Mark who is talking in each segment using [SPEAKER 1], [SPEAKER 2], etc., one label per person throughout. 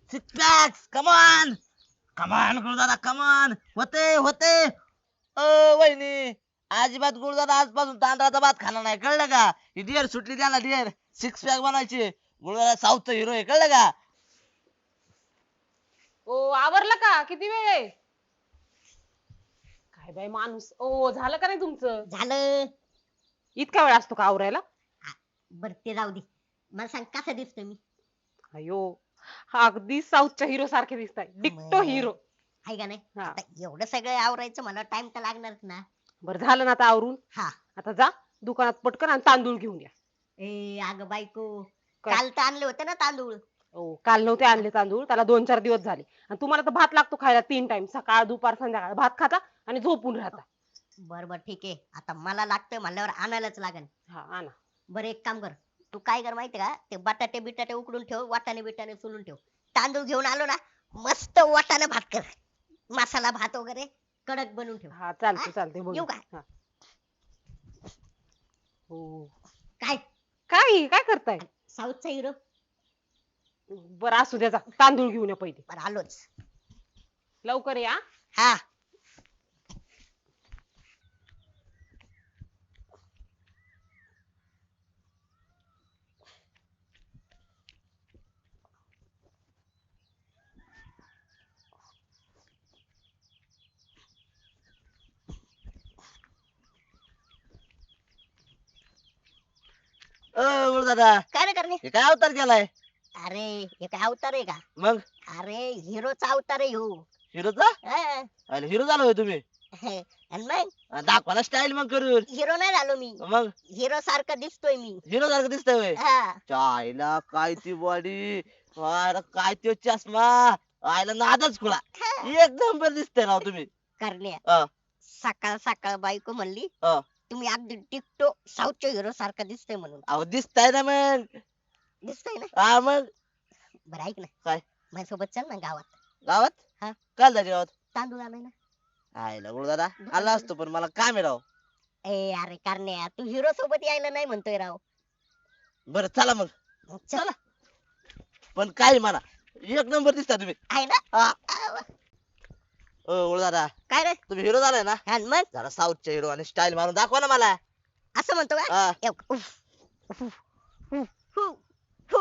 [SPEAKER 1] Six packs come on come on Gurudada come on होते होते वहिनी अजिबात गुरुदादा आजपासून तांदळाचा भात खाणार नाही कळलं का ही डिअर सुटली त्याला डिअर सिक्स पॅक बनायची गुरुदादा साऊथचा हिरो आहे कळलं का
[SPEAKER 2] ओ आवरलं का किती वेळ आहे काय बाई माणूस ओ झालं का नाही तुमचं
[SPEAKER 3] झालं.
[SPEAKER 2] इतका वेळ असतो का आवरायला
[SPEAKER 3] बर ते जाऊ दे. मला सांग कसं दिसतोय मी.
[SPEAKER 2] अयो हा अगदी साऊथच्या हिरो सारखे दिसताय डिक्टो हिरो
[SPEAKER 3] आहे का नाही.
[SPEAKER 2] हा.
[SPEAKER 3] आता एवढं सगळं आवरायचं मला टाइम तर लागणारच ना.
[SPEAKER 2] बरं झालं ना आता आवरून
[SPEAKER 3] हा.
[SPEAKER 2] आता जा दुकानात पटकन आणि तांदूळ घेऊन या
[SPEAKER 3] ए अगं बायको
[SPEAKER 2] काय?
[SPEAKER 3] काल तर आणले होते ना तांदूळ.
[SPEAKER 2] ओ काल नव्हते आणले तांदूळ त्याला 2-4 दिवस झाले आणि तुम्हाला तर भात लागतो खायला 3 टाइम सकाळ दुपार संध्याकाळ भात खाता आणि झोपून राहता
[SPEAKER 3] बर बर ठीक आहे आता मला लागतंय म्हणल्यावर आणायलाच लागेल.
[SPEAKER 2] हा आणा
[SPEAKER 3] बरं एक काम कर तू काय कर माहिती का ते बटाटे बिटाटे उकडून ठेव वाटाणे बिटाणे सोलून ठेव तांदूळ घेऊन आलो ना मस्त वाटाणे भात कर मसाला भात वगैरे कडक बनवून ठेव.
[SPEAKER 2] हा चालते चालते
[SPEAKER 3] येऊ
[SPEAKER 2] बोलू
[SPEAKER 3] का?
[SPEAKER 2] हा. हो
[SPEAKER 3] काय
[SPEAKER 2] काय काय करताय
[SPEAKER 3] साऊथचा हिरो.
[SPEAKER 2] बरं असू द्या जा तांदूळ घेऊन या पहिले
[SPEAKER 3] बरं आलोच.
[SPEAKER 2] लवकर या
[SPEAKER 3] हा.
[SPEAKER 1] गुरुदादा
[SPEAKER 3] काय रे करणे.
[SPEAKER 1] हे काय अवतार केलाय
[SPEAKER 3] अरे हे काय अवतार आहे का.
[SPEAKER 1] मग
[SPEAKER 3] अरे हिरोचा अवतार आहे ह्यो.
[SPEAKER 1] हिरोचा
[SPEAKER 3] हा.
[SPEAKER 1] अरे हिरो झालो होय तुम्ही
[SPEAKER 3] आणि मग
[SPEAKER 1] दाखवा ना स्टाईल मग करून
[SPEAKER 3] हिरो नाही झालो मी
[SPEAKER 1] मग
[SPEAKER 3] हिरो सारखा दिसतोय मी.
[SPEAKER 1] हिरो सारखं दिसतंय होय
[SPEAKER 3] हा.
[SPEAKER 1] आईला काय ती बॉडी काय तो चष्मा आईला नादच खुळा एक नंबर दिसतंय ना तुम्ही
[SPEAKER 3] करण्या
[SPEAKER 1] हा.
[SPEAKER 3] सकाळ सकाळ बायको म्हणली
[SPEAKER 1] हा.
[SPEAKER 3] तुम्ही अगदी टिकटो साऊथच्या हिरो सारखा दिसतोय म्हणून.
[SPEAKER 1] अहो दिसताय ना मग
[SPEAKER 3] दिसतोय ना.
[SPEAKER 1] हा मग
[SPEAKER 3] बरं ऐक ना
[SPEAKER 1] काय?
[SPEAKER 3] माझ्यासोबत चल ना गावात
[SPEAKER 1] गावात
[SPEAKER 3] हा.
[SPEAKER 1] काल जायचे गावात
[SPEAKER 3] तांदूळ आणाय ना.
[SPEAKER 1] आईला गुरुदादा आला असतो पण मला काम आहे राव
[SPEAKER 3] ए अरे करण्या तू हिरो सोबत यायला नाही म्हणतोय राव.
[SPEAKER 1] बरं चला मग
[SPEAKER 3] चल
[SPEAKER 1] पण काय म्हणा एक नंबर दिसता तुम्ही
[SPEAKER 3] आहे ना.
[SPEAKER 1] हा. ओ गुरुदादा
[SPEAKER 3] काय रे.
[SPEAKER 1] तुम्ही हिरो झालाय ना
[SPEAKER 3] हा मग
[SPEAKER 1] जरा साऊथच्या हिरो आणि स्टाईल मारून दाखवा ना मला
[SPEAKER 3] असं म्हणतो का.
[SPEAKER 1] हा.
[SPEAKER 3] उफ, उफ, उफ, हु, हु.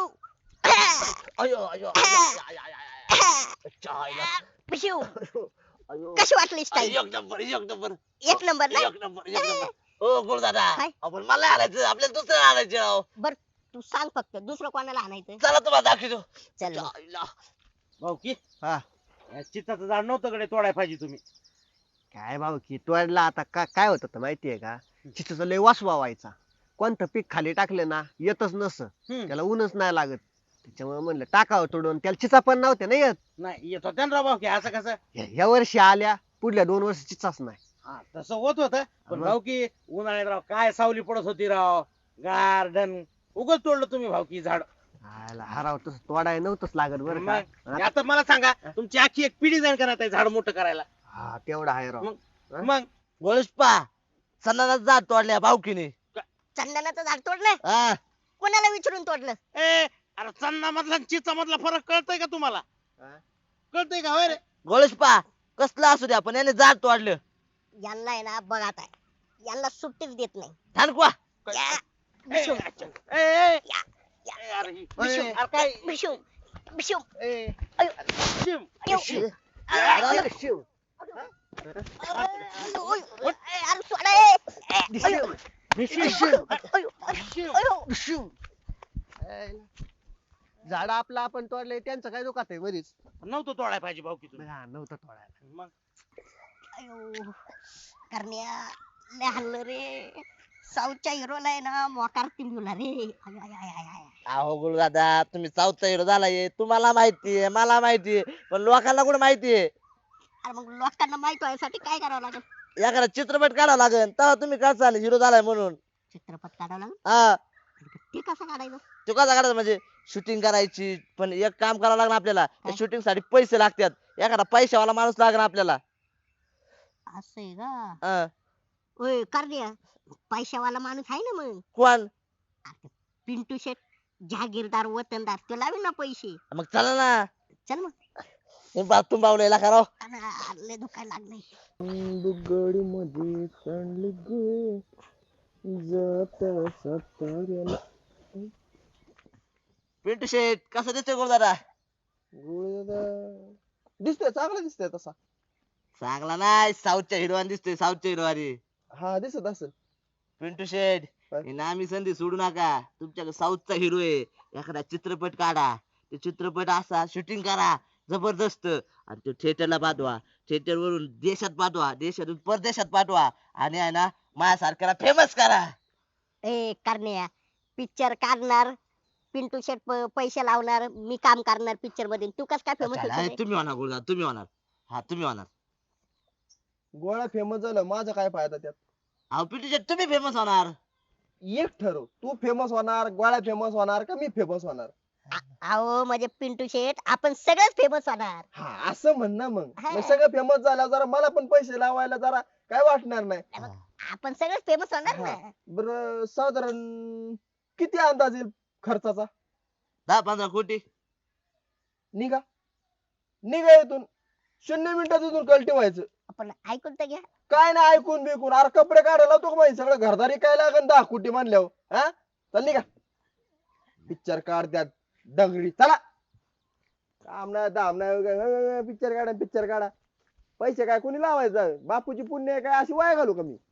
[SPEAKER 1] अयो अयो अयो, अयो, अच्छा, आईला.
[SPEAKER 3] पिशू
[SPEAKER 1] अयो.
[SPEAKER 3] कशी वाटली स्टाईल.
[SPEAKER 1] एक नंबर एक नंबर
[SPEAKER 3] एक नंबर ना.
[SPEAKER 1] एक नंबर एक नंबर ओ गुरुदादा
[SPEAKER 3] काय?
[SPEAKER 1] आपण मला आणायचं आपल्याला दुसरं आणायचं राव
[SPEAKER 3] बर तू सांग फक्त दुसरं कोणाला आणायचं.
[SPEAKER 1] चला तुम्हाला दाखवतो
[SPEAKER 3] चल मग.
[SPEAKER 1] आईला.
[SPEAKER 4] भाऊ की
[SPEAKER 5] हा
[SPEAKER 4] या चिताचं झाड नव्हतं कडे तोडाय पाहिजे तुम्ही
[SPEAKER 5] काय भाऊ की तोडला आता काय होत होतं माहितीये का चिचचा लय वासवा व्हायचा कोणतं पीक खाली टाकलं ना येतच नस त्याला ऊनच नाही लागत त्याच्यामुळे म्हणलं टाकावं तोडून त्याला चिचा पण नव्हते ना येत
[SPEAKER 4] नाही येत होत्या ना राव भाऊ की असं कसं
[SPEAKER 5] ह्या वर्षी आल्या पुढल्या 2 वर्ष चिचाच नाही
[SPEAKER 4] हा तसं होत होतं पण
[SPEAKER 5] मग?
[SPEAKER 4] भाऊ की उन्हाळ्यात राव काय सावली पडत होती राव गार्डन उगच तोडलं तुम्ही भाऊ की झाड
[SPEAKER 5] आयला हराव तसं तोडाय नव्हतंच लागत बरं का
[SPEAKER 4] मग आता मला सांगा तुमची आखी एक पिढी जाईल करत आहे झाड मोठं करायला
[SPEAKER 5] हा तेवढा आहे राव
[SPEAKER 4] मग मग
[SPEAKER 1] गोळीशपा सणाला जात तोडल्या भावकीने
[SPEAKER 3] चंदनाचं झाड तोडलं
[SPEAKER 1] हा
[SPEAKER 3] कोणाला विचारून तोडलं.
[SPEAKER 4] ए अरे चन्ना मधला चिचा मधला फरक कळतोय का तुम्हाला
[SPEAKER 5] हा?
[SPEAKER 4] कळतोय का होय रे
[SPEAKER 1] गोळीशपा कसलं असू द्या पण याने जात तोडलं
[SPEAKER 3] यांना आहे ना बघ आता यांना सुट्टीच देत नाही.
[SPEAKER 1] ठाणकवा
[SPEAKER 3] या,
[SPEAKER 4] ए,
[SPEAKER 3] बिशू,
[SPEAKER 4] ए, ए,
[SPEAKER 3] या, या.
[SPEAKER 4] ए, अरे ही-
[SPEAKER 3] बिशू,
[SPEAKER 4] अरे काय
[SPEAKER 3] बिशू, बिशू.
[SPEAKER 4] ए,
[SPEAKER 3] अयो,
[SPEAKER 4] शिम.
[SPEAKER 3] अयो.
[SPEAKER 5] अरे, शिव.
[SPEAKER 3] अयो, अरे सोडा, ए. अयो,
[SPEAKER 4] शिम.
[SPEAKER 3] अयो,
[SPEAKER 4] शिम.
[SPEAKER 3] अयो.
[SPEAKER 5] शिव. झाड आपलं आपण तोडलंय त्यांचं काय दुखात आहे मधीच
[SPEAKER 4] नव्हतं तोडाय पाहिजे भाऊ की तुम्ही
[SPEAKER 5] हा नव्हतं तोडायला
[SPEAKER 4] मग
[SPEAKER 3] अयो करण्या लय हल्लं रे साऊथच्या हिरोला आहे ना मोकार टिंबला रे. आय, आय, आय, आय, आय.
[SPEAKER 1] अहो गुरुदादा तुम्ही साऊथचा हिरो झालाय तुम्हाला माहितीये मला माहितीये पण लोकांना कुठे माहितीये
[SPEAKER 3] अरे मग लोकांना माहित व्हायसाठी काय करावं लागेल.
[SPEAKER 1] एखादा चित्रपट काढावा लागेल तेव्हा तुम्ही कळसाल हिरो झालाय म्हणून
[SPEAKER 3] चित्रपट काढावं लागेल.
[SPEAKER 1] हा
[SPEAKER 3] ते कसं काढायचं.
[SPEAKER 1] तो कसा काढायचा म्हणजे शूटिंग करायची पण एक काम करावं लागणार आपल्याला
[SPEAKER 3] काय?
[SPEAKER 1] शूटिंग साठी पैसे लागतात एखादा पैशावाला माणूस लागणार आपल्याला
[SPEAKER 3] असं आहे का.
[SPEAKER 1] हा.
[SPEAKER 3] ओय करण्या पैशावाला माणूस आहे ना मग.
[SPEAKER 1] कोण
[SPEAKER 3] पिंटू शेट जहागीरदार वतनदार तो लावेल ना पैसे.
[SPEAKER 1] मग चला ना
[SPEAKER 3] चल मग
[SPEAKER 1] बाथरूम बावलेला का राव
[SPEAKER 3] लय दुखायला लागलंय.
[SPEAKER 4] बुगडी मध्ये सांडली गे जाता साताऱ्याला.
[SPEAKER 1] पिंटू शेट कसं दिसतोय गुरुदादा
[SPEAKER 5] दिसतोय चांगला दिसतोय तसा.
[SPEAKER 1] चांगला नाही साऊथच्या हिरोवान दिसतोय साऊथच्या हिरोवानी.
[SPEAKER 5] हा दिसत असेल.
[SPEAKER 1] पिंटू शेट
[SPEAKER 5] काय?
[SPEAKER 1] ही नामी संधी सोडू नका तुमच्याकडे साऊथचा हिरो आहे एखादा चित्रपट काढा ते चित्रपट असा शूटिंग करा जबरदस्त आणि तो थिएटरला पाठवा थिएटर वरून देशात पाठवा देशातून परदेशात पाठवा आणि आहे ना माझ्यासारख्याला फेमस करा.
[SPEAKER 3] ए करण्या पिक्चर काढणार पिंटू शेट पैसे लावणार मी काम करणार पिक्चर मध्ये तू कस काय फेमस
[SPEAKER 1] अरे, तुम्ही होणार गुरुदादा तुम्ही होणार हा तुम्ही होणार.
[SPEAKER 5] गोळा फेमस झालं माझा काय फायदा त्यात.
[SPEAKER 1] अहो पिंटू शेट तुम्ही फेमस होणार.
[SPEAKER 5] एक ठरव तू फेमस होणार गोळ्या फेमस होणार का मी फेमस होणार.
[SPEAKER 3] अहो म्हणजे पिंटू शेट आपण सगळेच फेमस होणार.
[SPEAKER 5] हा असं म्हण ना मग
[SPEAKER 3] हा.
[SPEAKER 5] मग सगळं फेमस झालं जरा मला पण पैसे लावायला जरा काय वाटणार नाही.
[SPEAKER 3] आपण सगळेच फेमस होणार ना.
[SPEAKER 5] बर साधारण किती अंदाज येईल खर्चाचा.
[SPEAKER 1] 10-15 कोटी.
[SPEAKER 5] निघा निघा इथून 0 मिनिटात इथून कल्टी व्हायचं.
[SPEAKER 3] आपण ऐकून तर घ्या.
[SPEAKER 5] काय ना ऐकून बिकून अरे कपडे काढायला तो माहिती सगळं घरदारी काय लागन 10 कोटी मानल्यावर हा चल निघा. पिक्चर काढ त्यात दगडी चला. काम नाही दाम नाही पिक्चर काढा पैसे काय कोणी लावायचं बापूची पुण्य आहे काय अशी वाया घालू का मी.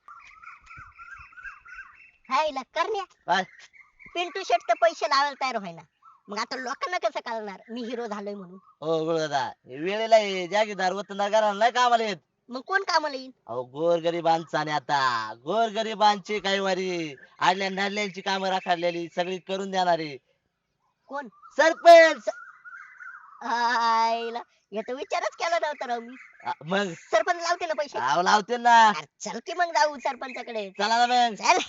[SPEAKER 3] हाय करण्या
[SPEAKER 1] काय
[SPEAKER 3] पिंटू शेट तर पैसे लावायला तयार व्हायना मग आता लोकांना कसं कळणार मी हिरो झालोय म्हणून.
[SPEAKER 1] हो गुरुदादा हे वेळेला हे जागीरदार वतनदार घराला नाही कामाला येत.
[SPEAKER 3] मग कोण कामाला येईल.
[SPEAKER 1] अहो गोरगरिबांचा आणि आता गोरगरिबांची काही वारी आडल्या नाडल्यांची कामं राखाडलेली सगळी करून देणारे
[SPEAKER 3] कोण
[SPEAKER 1] सरपंच.
[SPEAKER 3] आईला याचा विचारच केला नव्हता राव मी.
[SPEAKER 1] मग
[SPEAKER 3] सरपंच लावते ना पैसे.
[SPEAKER 1] अहो लावते ना.
[SPEAKER 3] अरे चल की मग जाऊ सरपंचाकडे.
[SPEAKER 1] चला ना मग.
[SPEAKER 3] चल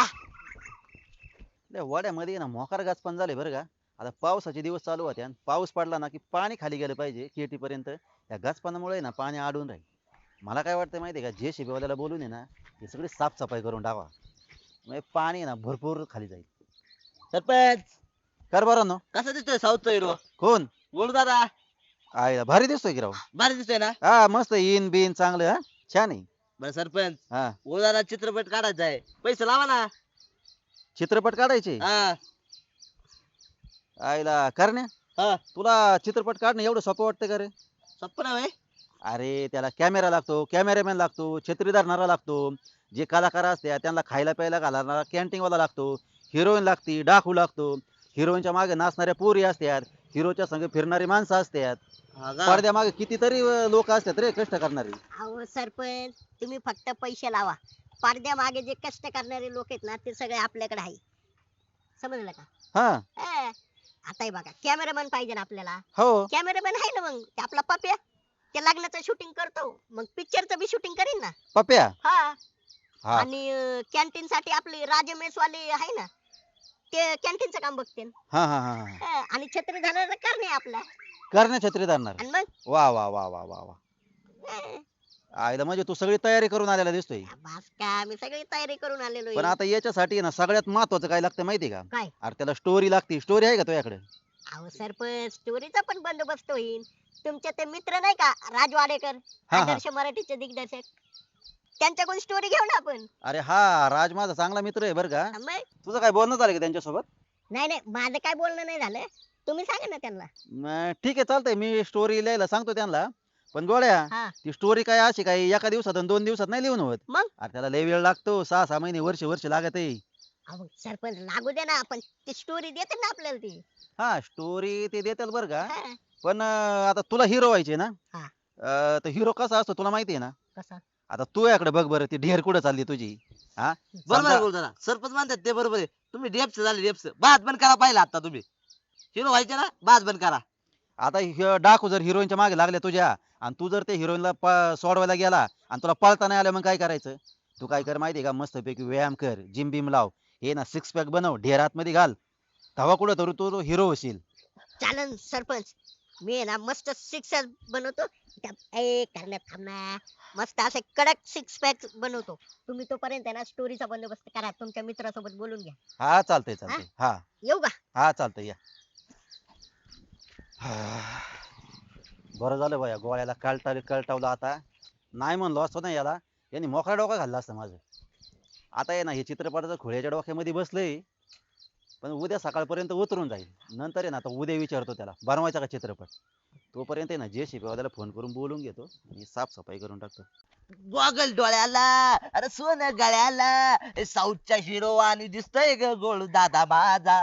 [SPEAKER 6] त्या वड्यामध्ये ना मोकार गाचपान झाले बरं का. आता पावसाचे दिवस चालू होते आणि पाऊस पडला ना की पाणी खाली गेलं पाहिजे केटी पर्यंत. या गाचपानामुळे ना पाणी अडून राहील. मला काय वाटतं माहितीये का JCB वाल्याला बोलून आहे ना हे सगळी साफसफाई करून टाका म्हणजे पाणी आहे ना भरपूर खाली जाईल.
[SPEAKER 1] सरपंच
[SPEAKER 6] कर बरं ना.
[SPEAKER 1] कसा दिसतोय साऊथचा हिरो
[SPEAKER 6] कोण
[SPEAKER 1] गुरुदादा
[SPEAKER 6] आयला भारी दिसतोय की राव.
[SPEAKER 1] भारी दिसतोय ना.
[SPEAKER 6] हा मस्त इन बिन चांगलं हा छान आहे.
[SPEAKER 1] बरं सरपंच
[SPEAKER 6] हा
[SPEAKER 1] गुरुदादा चित्रपट काढायचा आहे पैसे लावा ना.
[SPEAKER 6] चित्रपट काढायचे
[SPEAKER 1] हा
[SPEAKER 6] आयला करण्या
[SPEAKER 1] हा
[SPEAKER 6] तुला चित्रपट काढणं एवढं सोपं वाटतं का रे.
[SPEAKER 1] सोपं नाही होय?
[SPEAKER 6] अरे त्याला कॅमेरा लागतो कॅमेरामॅन लागतो छत्री धरणारा लागतो जे कलाकार असतात त्यांना खायला प्यायला घालणारा कॅन्टीन वाला लागतो हिरोईन लागती डाकू लागतो हिरोईनच्या मागे नाचणाऱ्या पोरी असतात हिरोच्या संग फिरणारी माणसं असतात
[SPEAKER 1] हा का?
[SPEAKER 6] पडद्या मागे कितीतरी लोक असतात रे कष्ट करणारी.
[SPEAKER 3] अहो सरपंच तुम्ही फक्त पैसे लावा पडद्या मागे जे कष्ट करणारे लोक आहेत ना ते सगळे आपल्याकडे आहे समजलं का.
[SPEAKER 6] हा
[SPEAKER 3] हा. आता हे बघा कॅमेरामॅन पाहिजे ना आपल्याला.
[SPEAKER 6] हो
[SPEAKER 3] कॅमेरामॅन आहे ना मग ते आपला पप्या ते लग्नाचं शूटिंग करतो मग पिक्चरचं बी शूटिंग करीन ना.
[SPEAKER 6] पप्या
[SPEAKER 3] हा
[SPEAKER 6] हा
[SPEAKER 3] आणि कॅन्टीन साठी आपले राजमेश वाले आहे ना ते कॅन्टीनचं काम बघते.
[SPEAKER 6] हा हा हा हा.
[SPEAKER 3] आणि छत्री धरणार करणे आपला.
[SPEAKER 6] करण्या छत्री धरणार.
[SPEAKER 3] आणि मग
[SPEAKER 6] वा वा वा वा वा वा
[SPEAKER 3] अं,
[SPEAKER 6] आयला म्हणजे तू सगळी तयारी करून आलेला दिसतोय.
[SPEAKER 3] बस का आम्ही सगळी तयारी करून आलेलो
[SPEAKER 6] पण
[SPEAKER 3] आहे.
[SPEAKER 6] आता याच्यासाठी ना सगळ्यात महत्वाचं काय लागतं माहिती का.
[SPEAKER 3] काय
[SPEAKER 6] अरे त्याला स्टोरी लागते स्टोरी आहे का तुझ्याकडे.
[SPEAKER 3] अहो सरपंच स्टोरीचा पण बंदोबस्त होईल. तुमचे ते मित्र नाही का राज वाडेकर
[SPEAKER 6] हा.
[SPEAKER 3] आदर्श मराठीचे दिग्दर्शक त्यांच्याकडून स्टोरी घेऊ ना आपण.
[SPEAKER 6] अरे हा राज माझा चांगला मित्र आहे बरं का.
[SPEAKER 3] मग
[SPEAKER 6] तुझं काय बोलणं झालं का त्यांच्यासोबत.
[SPEAKER 3] नाही नाही माझं काय बोलणं नाही झालं तुम्ही सांगा ना त्यांना.
[SPEAKER 6] ठीक आहे चालतंय मी स्टोरी लिहायला सांगतो त्यांना. पण गोळ्या
[SPEAKER 3] हा
[SPEAKER 6] ती स्टोरी काय अशी काय एका दिवसात आणि 2 दिवसात नाही लिहून होत.
[SPEAKER 3] मग
[SPEAKER 6] अरे त्याला लय वेळ लागतो 6-6 महिने वर्ष लागत आहे.
[SPEAKER 3] अहो सरपंच लागू दे ना आपण ती स्टोरी देते ना आपल्याला ती.
[SPEAKER 6] हा स्टोरी ते देतात बरं का.
[SPEAKER 3] हा.
[SPEAKER 6] पण आता तुला हिरो व्हायचे ना.
[SPEAKER 3] हा.
[SPEAKER 6] तर हिरो कसा असतो तुला माहिती आहे ना.
[SPEAKER 3] कसा
[SPEAKER 6] आता तू याकडे बघ बरं ती ढेर कुठं चालली तुझी. हा
[SPEAKER 1] बरोबर आहे
[SPEAKER 6] समजा-
[SPEAKER 1] गुरुदादा सरपंच म्हणतात ते बरोबर आहे तुम्ही डेप्स झाले डेप्स बात बंद करा पाहिला आता तुम्ही हिरो व्हायचे ना बात बंद करा.
[SPEAKER 6] आता डाकू जर हिरोईनच्या मागे लागले तुझ्या आणि तू जर ते हिरोईनला सोडवायला गेला आणि तुला पळता नाही आलं मग काय करायचं. तू काय कर माहितीये का मस्तपैकी व्यायाम कर जिम बिम लाव हे ना 6 पॅक बनव ढेर आतमध्ये घाल तेव्हा कुठं तर तू हिरो होशील.
[SPEAKER 3] चालन सरपंच मी आहे ना मस्त सिक्स बनवतो करण्यात थांबना मस्त असे कडक 6 पॅक बनवतो. तुम्ही तोपर्यंत आहे ना स्टोरीचा बंदोबस्त करा तुमच्या मित्रासोबत बोलून घ्या.
[SPEAKER 6] हा चालतंय चालतंय हा
[SPEAKER 3] येऊ का.
[SPEAKER 6] हा चालतंय या. बरं झालं बाया गोळ्याला कळटावलं आता. नाही म्हणलो असतो ना याला, यांनी मोकळा डोका घालला असतं माझं. आता आहे ना हे चित्रपटाचं खोळ्याच्या डोक्यामध्ये बसलंय, पण उद्या सकाळपर्यंत उतरून जाईल. नंतर आहे ना आता उद्या विचारतो त्याला बनवायचा का चित्रपट. तोपर्यंत आहे ना JCB वाल्याला फोन करून बोलून घेतो आणि साफसफाई करून टाकतो.
[SPEAKER 1] गॉगल डोळ्याला, अरे सोनं गळ्याला, साऊथच्या हिरो आणि दिसतोय ग गोळू दादा माझा.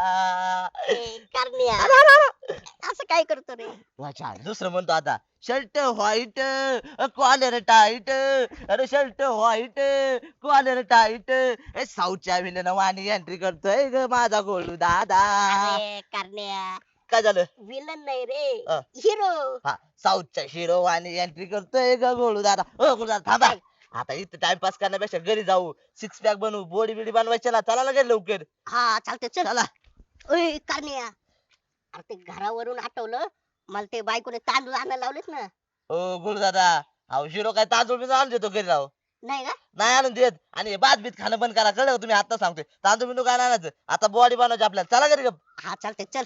[SPEAKER 3] करण्या असं काय करतो रे?
[SPEAKER 1] अच्छा दुसरं म्हणतो आता, शर्ट व्हाईट कॉलर टाईट, अरे शर्ट व्हाईट कॉलर टाईट, साऊथच्या विलन वाणी एंट्री करतोय ग माझा गोळू दादा.
[SPEAKER 3] अरे करण्या
[SPEAKER 1] काय झालं?
[SPEAKER 3] विलन नाही रे,
[SPEAKER 1] हा.
[SPEAKER 3] हिरो.
[SPEAKER 1] हा साऊथच्या हिरो आणि एंट्री करतोय ग गोळू दादा. गोळू दादा थांबा, आता इथं टाइमपास करण्यापेक्षा घरी जाऊ, सिक्स पॅक बनवू, बॉडी बिडी बनवायची ना, चला लगेच लवकर.
[SPEAKER 3] हा चालतंय चल.
[SPEAKER 1] चला.
[SPEAKER 3] ओय करण्या, अरे ते घरावरून आठवलं, मला ते बायकोने तांदूळ आणायला लावलेत ना.
[SPEAKER 1] ओ गोळू दादा, अहो हिरो काय तांदूळ बिंदूळ आणून देतो घरी राव?
[SPEAKER 3] नाही का?
[SPEAKER 1] नाही आणून देत. आणि हे भात बीत खाणं बंद करा, कळलं का? तुम्ही आता सांगतोय तांदूळ बिंदू काय नाही आणायचं, आता बॉडी बनवायची आपल्याला, चला घरी गप.
[SPEAKER 3] हा चालतंय चल.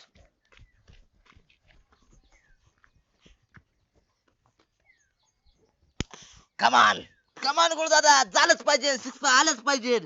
[SPEAKER 1] कमान कमान गोळू दादा, झालंच पाहिजे, सिक्स पॅक आलंच पाहिजे.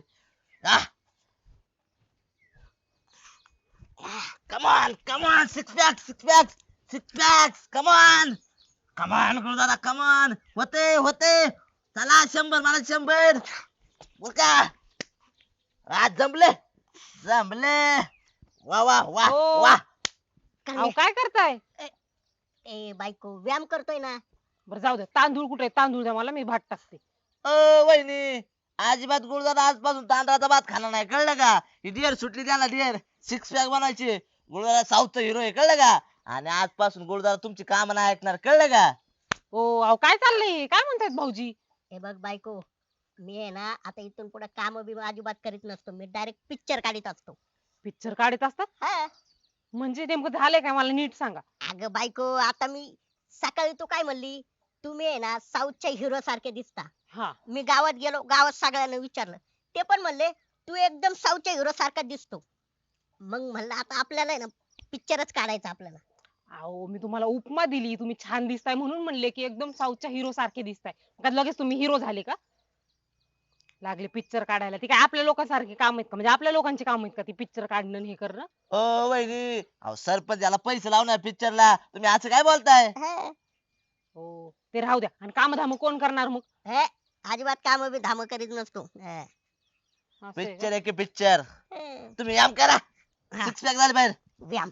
[SPEAKER 1] Come on come on, six pack six pack six pack, come on come on गोळू दादा, कमान. होते होते, चला 100, मला 100. बोल का आज जमले जमले. वा वा वा
[SPEAKER 2] हो.
[SPEAKER 1] वा.
[SPEAKER 2] अहो
[SPEAKER 3] करण्या,
[SPEAKER 2] काय करताय?
[SPEAKER 3] ए बायको व्यायाम करतोय ना.
[SPEAKER 2] बरं जाऊ दे, तांदूळ कुठे आहे? तांदूळ द्या मला, मी भात टाकते.
[SPEAKER 1] वहिनी, अजिबात गुरुदादा आजपासून तांदळाचा भात खाणार नाही, कळलं का? ही डिअर सुटली त्याला, डिअर सिक्स पॅक बनायची. गुरुदादा साऊथचा हिरो आहे, कळलं का? आणि आजपासून गुरुदादा तुमची काम नाही ऐकणार, कळलं का?
[SPEAKER 2] ओ अहो काय चाललंय? काय म्हणतायत भाऊजी?
[SPEAKER 3] हे बघ बायको, मी आहे ना आता इथून पुढे काम बिम अजिबात करीत नसतो, मी डायरेक्ट पिक्चर काढीत असतो.
[SPEAKER 2] पिक्चर काढत असतात
[SPEAKER 3] हा.
[SPEAKER 2] म्हणजे नेमकं झालंय काय, मला नीट सांगा.
[SPEAKER 3] अगं बायको, आता मी सकाळी तू काय म्हणली, तुम्ही आहे ना साऊथच्या हिरो सारखे दिसता.
[SPEAKER 2] हा
[SPEAKER 3] मी गावात गेलो, गावात सगळ्यांना विचारलं, ते पण म्हणले तू एकदम साऊथच्या हिरो सारखा दिसतो. मग म्हणलं आता आपल्याला आहे ना पिक्चरच काढायचा आपल्याला.
[SPEAKER 2] अहो मी तुम्हाला उपमा दिली, तुम्ही छान दिसताय म्हणून म्हणले की एकदम साऊथच्या हिरो सारखे दिसताय. मग लगेच तुम्ही हिरो झाले का? लागले पिक्चर काढायला? ती काय आपल्या लोकांसारखे काम आहेत का? म्हणजे आपल्या लोकांचे काम आहेत का ती पिक्चर काढणं आणि हे करणं?
[SPEAKER 1] वहिनी, अहो सरपंच याला पैसे लावणार पिक्चरला, तुम्ही असं काय बोलताय?
[SPEAKER 3] हे,
[SPEAKER 2] हो ते राहू द्या. आणि काम धाम कोण करणार मग?
[SPEAKER 3] हे, अजिबात काम बी धाम करीत नसतो. हे,
[SPEAKER 2] असं आहे का?
[SPEAKER 1] पिक्चर आहे की पिक्चर,
[SPEAKER 3] हे.
[SPEAKER 1] तुम्ही व्यायाम करा,
[SPEAKER 3] हा,
[SPEAKER 1] सिक्स पॅक झाले बाहेर.
[SPEAKER 3] व्यायाम.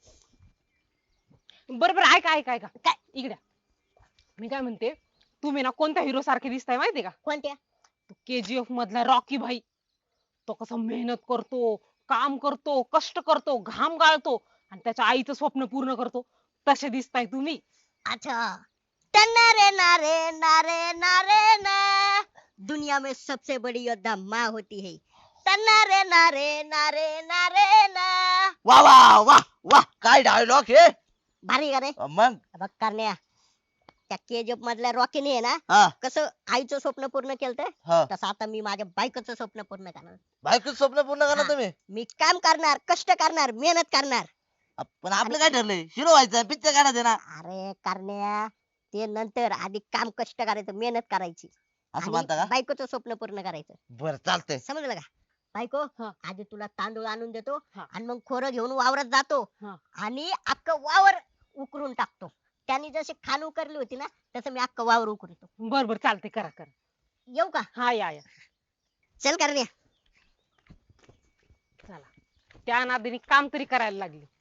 [SPEAKER 2] बरं बरं, ऐका ऐका ऐका,
[SPEAKER 3] काय?
[SPEAKER 2] इकडे मी काय म्हणते, तुम्ही ना कोणत्या हिरो सारखे दिसताय माहितीये का?
[SPEAKER 3] कोणत्या?
[SPEAKER 2] KGF मधला रॉकी भाई. तो कसा मेहनत करतो, काम करतो, कष्ट करतो, घाम गाळतो आणि त्याच्या आईचं स्वप्न पूर्ण करतो, तसे दिसताय तुम्ही.
[SPEAKER 3] अच्छा. टन्नारे नारे नारे नारे ना, दुनिया में सबसे बड़ी योद्धा माँ होती है. टन्नारे नारे नारे नारे ना.
[SPEAKER 1] वा वा वा वा, काय डायलॉग हे.
[SPEAKER 3] भारी का रे?
[SPEAKER 1] मग
[SPEAKER 3] बघ करण्या, त्या केजीएफ मधल्या रॉकीने आहे ना
[SPEAKER 1] हा
[SPEAKER 3] कसं आईचं स्वप्न पूर्ण केलं,
[SPEAKER 1] हा,
[SPEAKER 3] तसं आता मी माझ्या बायकोचं स्वप्न पूर्ण करणार.
[SPEAKER 1] बायकोचं स्वप्न पूर्ण करा
[SPEAKER 3] हा.
[SPEAKER 1] तुम्ही.
[SPEAKER 3] मी काम करणार, कष्ट करणार, मेहनत करणार.
[SPEAKER 1] पण आपलं काय ठरलंय, हिरो व्हायचं, पिक्चर काढायचं ना.
[SPEAKER 3] अरे करण्या, ते नंतर आधी काम कष्ट करायचं, मेहनत करायची
[SPEAKER 1] असं
[SPEAKER 3] आणि
[SPEAKER 1] म्हणता का?
[SPEAKER 3] बायकोचं स्वप्न पूर्ण करायचं.
[SPEAKER 1] बरं चालतंय.
[SPEAKER 3] समजलं का? बायको,
[SPEAKER 2] हा.
[SPEAKER 3] आधी तुला तांदूळ आणून देतो
[SPEAKER 2] हा.
[SPEAKER 3] आणि मग खोरं घेऊन वावरात जातो
[SPEAKER 2] हा.
[SPEAKER 3] आणि अख्खं वावर उकरून टाकतो. त्यांनी जशी खान उकरली होती ना, तसं मी अख्खं वावर उकरतो.
[SPEAKER 2] बर बर चालते, करा करा.
[SPEAKER 3] येऊ का?
[SPEAKER 2] हा या या.
[SPEAKER 3] चल करण्या.
[SPEAKER 2] चला, त्या नादीने काम तरी करायला लागली.